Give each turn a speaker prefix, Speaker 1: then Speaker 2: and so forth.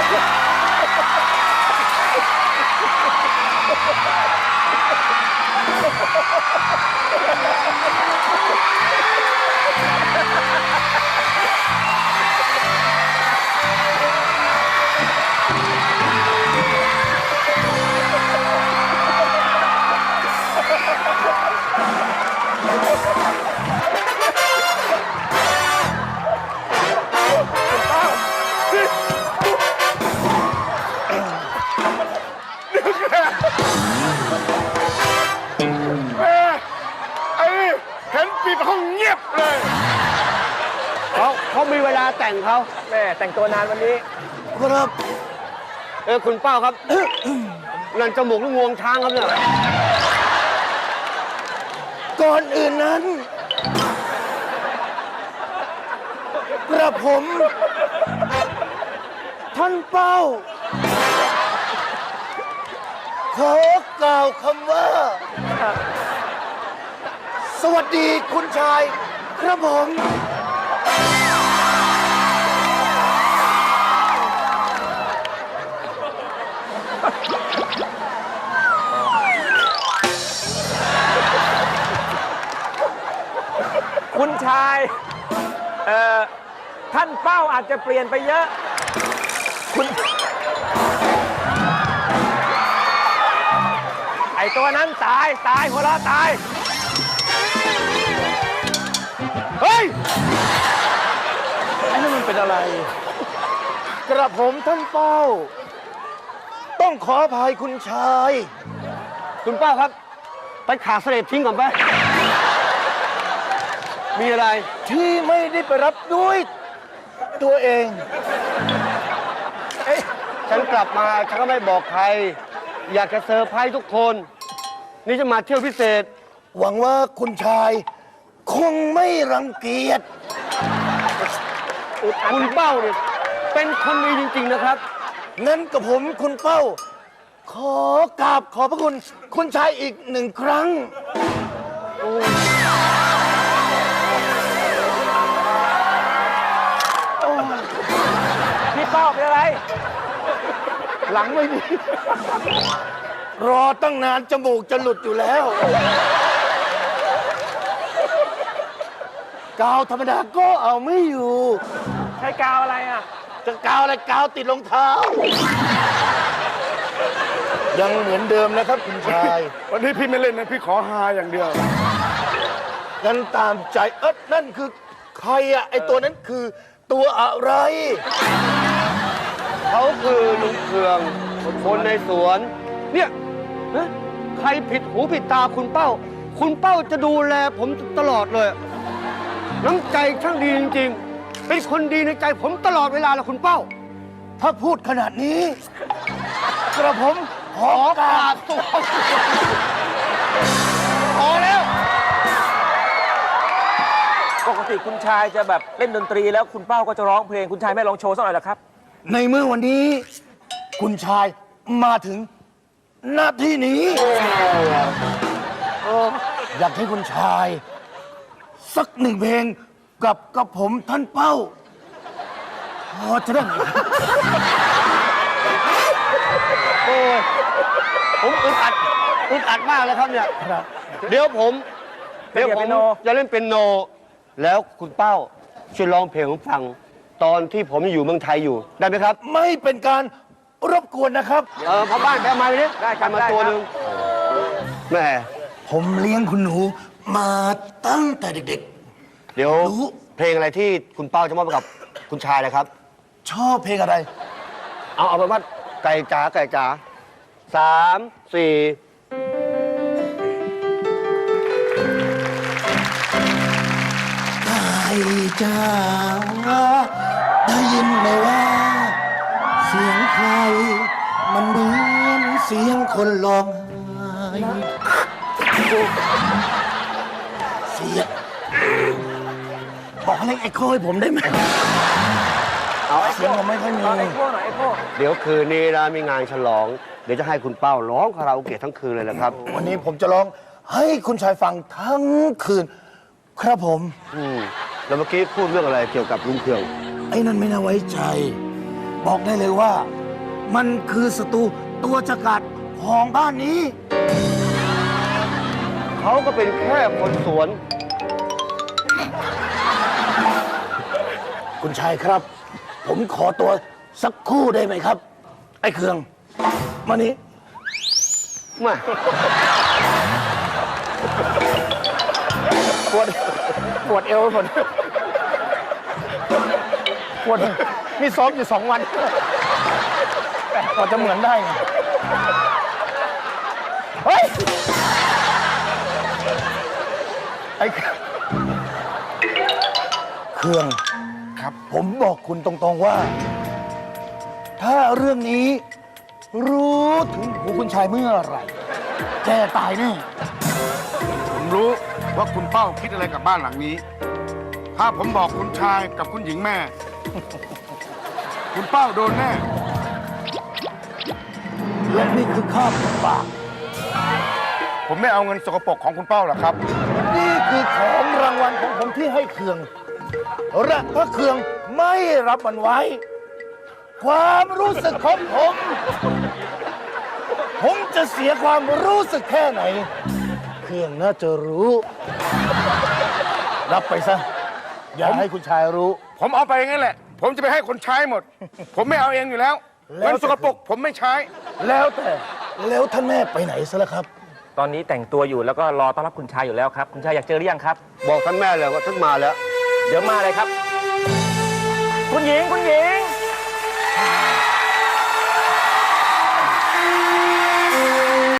Speaker 1: เขามีเวลาแต่งเขาแม่แต่งตัวนานวันนี้
Speaker 2: ครับ
Speaker 1: คุณเป้าครับ นั่นจมูกลูกงวงช้างครับเนี่ย
Speaker 2: ก่อนอื่นนั้นกระผมท่านเป้าขอกล่าวคำว่าสวัสดีคุณชายกระผม
Speaker 3: คุณชายท่านเป้าอาจจะเปลี่ยนไปเยอะคุณไอตัวนั้นตายหัวเราะตาย
Speaker 2: เฮ้ยไอ้นั่นมันเป็นอะไรกระผมท่านเป้าต้องขออภัยคุณชาย
Speaker 1: คุณเป้าครับไปขาเสด็จทิ้งก่อนไปมีอะไร
Speaker 2: ที่ไม่ได้ไปรับด้วยตัวเอง
Speaker 1: ฉันกลับมาฉันก็ไม่บอกใครอยากจะเซอร์ไพรส์ทุกคนนี่จะมาเที่ยวพิเศษ
Speaker 2: หวังว่าคุณชายคงไม่รังเกียจ
Speaker 1: คุณเป้าเนี่ยเป็นคนดีจริงๆนะครับ
Speaker 2: งั้นกับผมคุณเป้าขอกราบขอบพระคุณคุณชายอีก1 ครั้ง
Speaker 3: พี่เป้าเป็นอะไร
Speaker 2: หลังไม่ดีรอตั้งนานจมูกจะหลุดอยู่แล้วกาวธรรมดาก็เอาไม่อยู่
Speaker 3: ใช้กาวอะไรอ่ะ
Speaker 2: จะกาวอะไรกาวติดรองเท้ายังเหมือนเดิมนะครับคุณชาย
Speaker 1: วันนี้พี่ไม่เล่นนะพี่ขอฮาอย่างเดียว
Speaker 2: งั้นตามใจนั่นคือใครอะไอตัวนั้นคือตัวอะไร
Speaker 1: เขาคือลุงเคืองคนในสวนเนี่ยใครผิดหูผิดตาคุณเป้าคุณเป้าจะดูแลผมตลอดเลยน้ำใจช่างดีจริงๆเป็นคนดีในใจผมตลอดเวลาเลยคุณเป้า
Speaker 2: ถ้าพูดขนาดนี้กระผมขอกราบตัว
Speaker 1: พอแล้ว
Speaker 3: ปกติคุณชายจะแบบเล่นดนตรีแล้วคุณเป้าก็จะร้องเพลงคุณชายไม่ร้องโชว์สักหน่อยหรอครับ
Speaker 2: ในเมื่อวันนี้คุณชายมาถึงหน้าที่นี้อยากให้คุณชายสัก1 เพลงกับผมท่านเป้าพอจะได้ไหม
Speaker 1: โอ้ยผมอึดอัดมากเลยครับเนี่ยเดี๋ยวผมจะเล่นเป็นโนแล้วคุณเป้าช่วยร้องเพลงผมฟังตอนที่ผมอยู่เมืองไทยอยู่ได้ไหมครับ
Speaker 2: ไม่เป็นการรบกวนนะครับ
Speaker 1: พอบ้านแปลมาเลย
Speaker 3: ได้กัน
Speaker 1: มาตัวหนึ่งแม่
Speaker 2: ผมเลี้ยงคุณหนูมาตั้งแต่เด็ก
Speaker 1: ๆเดี๋ยวเพลงอะไรที่คุณเป้าจะมอบกับคุณชายนะครับ
Speaker 2: ชอบเพลงอะไร
Speaker 1: เอาเป็นว่าไก่จ๋า3 4
Speaker 2: ไก่จ๋าได้ยินไหมว่าเสียงใครมันเหมือนเสียงคนร้องไห้เสียงบอกให้เอ็กโคให้ผมได้ไหมเสียงผมไม่ค่อยมี
Speaker 1: เดี๋ยวคืนนี้นะมีงานฉลองเดี๋ยวจะให้คุณเป้าร้องคาราโอเกะทั้งคืนเลยนะครับ
Speaker 2: วันนี้ผมจะร้องให้คุณชายฟังทั้งคืนครับผม
Speaker 1: แล้วเมื่อกี้พูดเรื่องอะไรเกี่ยวกับลุงเคือง
Speaker 2: ไอ้นั่นไม่น่าไว้ใจบอกได้เลยว่ามันคือศัตรูตัวฉกาจของบ้านนี้
Speaker 1: เขาก็เป็นแค่คนสวน
Speaker 2: คุณชายครับ ผมขอตัวสักครู่ได้ไหมครับ ไอ้เครืองมานี้
Speaker 1: มา
Speaker 2: ปวดเอวหมดปวดนี่ซ้อมอยู่2 วันกว่าจะเหมือนได้ไงเฮ้ย ไอ้เครื่องครับ ผมบอกคุณตรงๆว่า ถ้าเรื่องนี้ รู้ถึงหูคุณชายเมื่อไหร่แกตายแน่
Speaker 4: ผมรู้ว่าคุณเป้าคิดอะไรกับบ้านหลังนี้ ถ้าผมบอกคุณชายกับคุณหญิงแม่ คุณเป้าโดนแน่
Speaker 2: และนี่คือข้าวปาก
Speaker 4: ผมไม่เอาเงินสกปรกของคุณเป้าหรอกครับ
Speaker 2: นี่คือของรางวัลของผมที่ให้เครืองและถ้าเครืองไม่รับมันไว้ ความรู้สึกของผมจะเสียความรู้สึกแค่ไหน เครืองน่าจะรู้ รับไปซะ อย่าให้คุณชายรู้
Speaker 4: ผมเอาไปงั้นแหละ ผมจะไปให้คนใช้หมด ผมไม่เอาเองอยู่แล้ว
Speaker 2: แล้ว
Speaker 4: เงินสกปรกผมไม่ใช้
Speaker 2: แล้วแต่แล้วท่านแม่ไปไหนซะแล้วครับ
Speaker 3: ตอนนี้แต่งตัวอยู่แล้วก็รอต้อนรับคุณชายอยู่แล้วครับ คุณชายอยากเจอหรือยังครับ
Speaker 1: บอกท่านแม่เลยว่าท่านมาแล้ว
Speaker 3: เดี๋ยวมาเลยครับ คุณหญิง